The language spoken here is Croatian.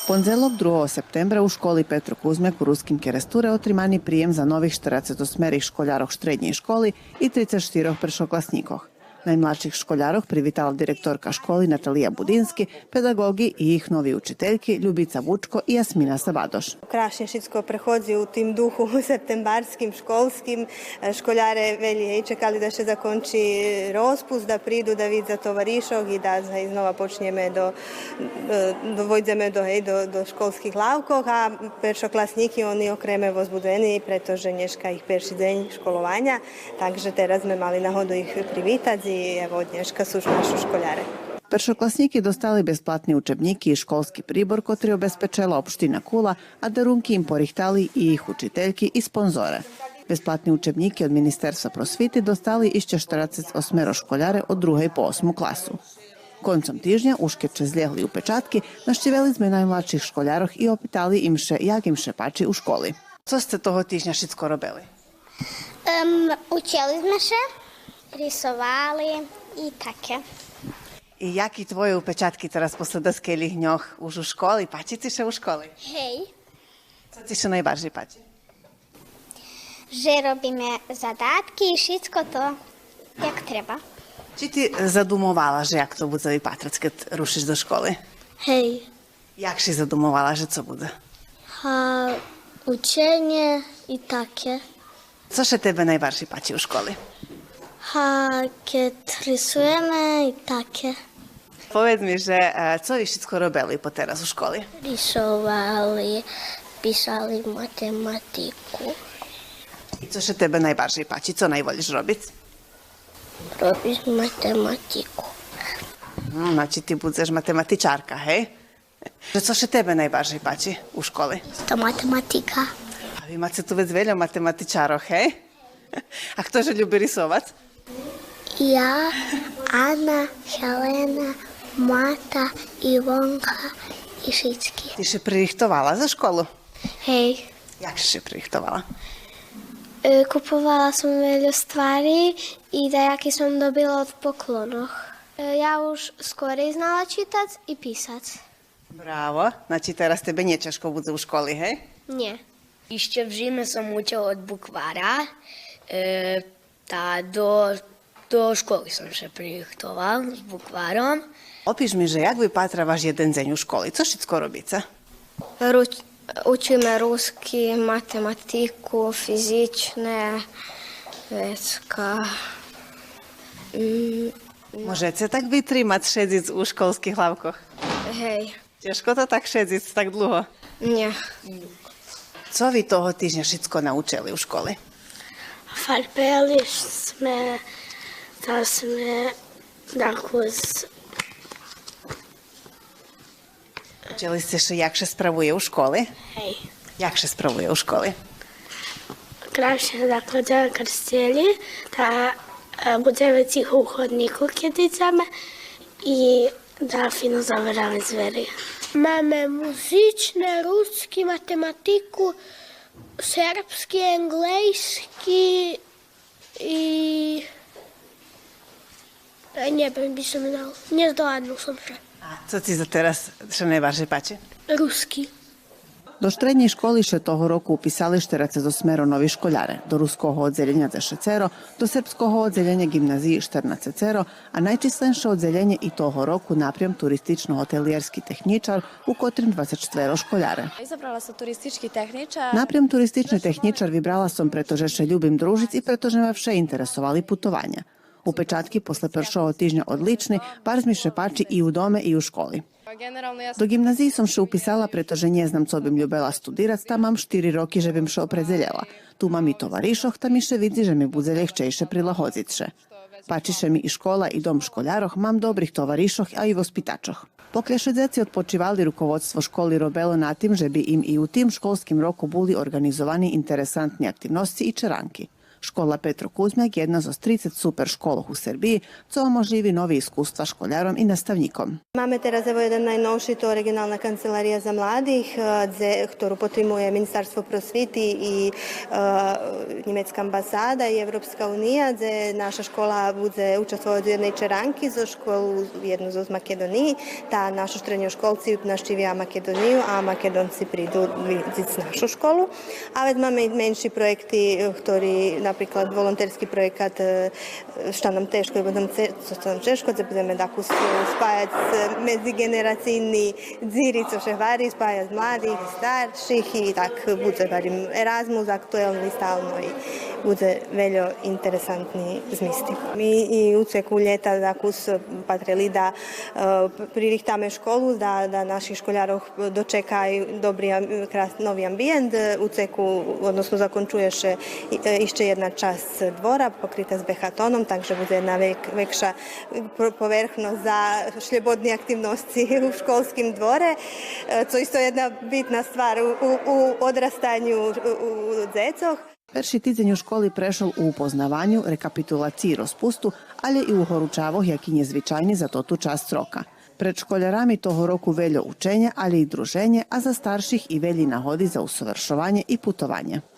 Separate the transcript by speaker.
Speaker 1: Понеділок 2 септембра у школі Петро Кузьмяк у Руськім Керестуре отриманий приєм за нових 48 школярок середньої школи і 34 першокласніков. Najmlađih školjarov privitala direktorka školi Natalija Budinski, pedagogi i ih novi učiteljki Ljubica Vučko i Jasmina Sabadoš.
Speaker 2: Krašnješitsko prehodzi u tim duhu septembarskim, školskim. Školjare velje i čekali da še zakonči rozpust, da pridu da vid za tovarišog i da iznova počnjeme do školskih lavkov, a peršoklasniki oni okreme vozbudeni, pretože nješka ih perši deň školovanja, takže teraz sme mali nahodu ih privitati. Evo od dneška su našu školjare.
Speaker 1: Першокласники dostali besplatni učebniki i školski pribor, kotri obezpečela opština Kula, a darunki im porihtali i ih učiteljki i sponzore. Besplatni učebniki od Ministerstva prosviti dostali išće 48 školjare od 2. po 8. klasu. Koncom tižnja uškeče zlijehli u pečatki, naštiveli sme najmlačih školjaroh i opitali im še jak im še pači u školi. Co ste toho tižnja šitsko robili?
Speaker 3: Učili sme še, risovali i také.
Speaker 1: I jaki tvoje upečatky teraz posle doskejlých dňoch už u školi? Páči ti še u školi?
Speaker 3: Hej.
Speaker 1: Co ti še najbardziej páči?
Speaker 3: Že robíme zadátky i všetko to, jak treba.
Speaker 1: Či ti zadumovala, že jak to bude vypatrať, keď rušiš do školy?
Speaker 3: Hej.
Speaker 1: Jak si zadumovala, že co bude?
Speaker 3: Učenie i také.
Speaker 1: Co še tebe najbardziej páči u školy?
Speaker 3: Keď rysujeme i také.
Speaker 1: Povedz mi, že co vi všetko robili po teraz u školy?
Speaker 3: Rysovali, písali matematiku.
Speaker 1: I co še tebe najbardziej páči? Co najvoliš robiť?
Speaker 3: Robiť matematiku.
Speaker 1: Znači ti budeš matematičarka, hej? Co še tebe najbardziej páči u školy?
Speaker 3: To matematika.
Speaker 1: A vi máte tu vec veľa matematičárov, hej? A ktože ľubí rysovať?
Speaker 3: Ja, Anna, Helena, Mata, Ivonka i všetky.
Speaker 1: Ty si pririchtovala za školu?
Speaker 3: Hej.
Speaker 1: Jak si pririchtovala?
Speaker 3: Kupovala som veľa stvari i dajaké som dobila od poklonoch. Ja už skorej znala čítať i písať.
Speaker 1: Bravo. Znači teraz tebe neťažko bude u školy, hej?
Speaker 3: Nie.
Speaker 4: Ešte v zime som učil od bukvára. Do školy som sa pririchtoval s bukvárom.
Speaker 1: Opíš mi, že jak vypátra váš jeden deň u školy? Co všetko robíte?
Speaker 3: Učíme rusky, matematiku, fyzičné vecka.
Speaker 1: Môžete tak vytrímať šedic u školských hlavkoch?
Speaker 3: Hej.
Speaker 1: Ťažko to tak šedic tak dlho?
Speaker 3: Nie.
Speaker 1: Co vy toho týždňa všetko naučili u školy?
Speaker 3: Farpeli sme, da sme kus.
Speaker 1: Učili ste še, jak še spravuje u školy?
Speaker 3: Hej.
Speaker 1: Jak še spravuje u školy?
Speaker 3: Kraще da kada krstili, da budeme tiho u hodniku kad ideme i da fino zaberame zveri. Máme muzične, ruski, matematiku, srpski, englejski i... Neviem, by som dal. Nezdoladnul som sa.
Speaker 1: A co ti za teraz še najbardziej páči?
Speaker 3: Ruski.
Speaker 1: Do štrednje školi še toho roku upisali 48 novi školjare, do ruskого odzeljenja za 6, do srpskого odzeljenja gimnaziji 14, a najčislenše odzeljenje i toho roku naprijem turistično-hotelijerski tehničar, u kotrim 24 školjare.
Speaker 5: Izabrala sam turistički tehničar.
Speaker 1: Naprijem turistični tehničar vybrala som, pretože še ljubim družic i pretože me vše interesovali putovanja. Upečatki posle prvšoho tižnja odlični, bar mi še pači i u dome i u školi. Do gimnaziji som še upisala, pretože nie znam co bym ljubela studirać, tam mam 4 roki, že bym še opredzeljela. Tu mam i tovarišoh, tam mi še vidzi, že mi bude ljehčejše prilahodit še. Pačiše mi i škola i dom školjaroh, mam dobrih tovarišoh, a i vospitačoh. Poklješe djeci odpočivali, rukovodstvo školi robelo na tim, že bi im i u tim školskim roku buli organizovani interesantni aktivnosti i čeranki. Škola Petro Kuzmiak je jedna z 30 super školoh u Srbiji, co omožlivi novi iskustva školjarom i nastavnikom.
Speaker 2: Máme teraz evo jeden najnovší, to regionálna kancelária za mladých, ktorú potrimuje Ministerstvo prosvity i Nemecká ambasáda i Evropska unija, gde naša škola bude učestvovať u jednej čeranki za školu, jednu z Makedoniji. Tá naši srednjoškolci naštívia Makedoniju, a Makedonci prídu vidieť našu školu. Ale máme i menší projekty, ktorý napríklad volonterski projekat Šta nam teško i budem češko, gde budeme tako spajať medzigeneracijni dziri, co še vari, spajať mladých i starších i tak bude varim Erasmus aktuelni stalno i bude veľo interesantni zmisti. Mi i u ceku ljeta dakus patrili da pririhtame školu, da naših školjarov dočekaj dobri novi ambijent. U ceku, odnosno zakončuje še išće jedna čast dvora pokrita s behatonom, takže bude jedna vekša povrchnost za šljebodne aktivnosti u školskim dvore, co isto jedna bitna stvar u odrastanju u dzecoh.
Speaker 1: Перший тиждень у школі пройшов у упознаванню, рекапітулації розпусту, але і у горучавах, які незвичайні за ту част рока. Перед школярами того року велjo učenja, ali i druženje, a za starših i velji nahodi za usavršovanje i putovanje.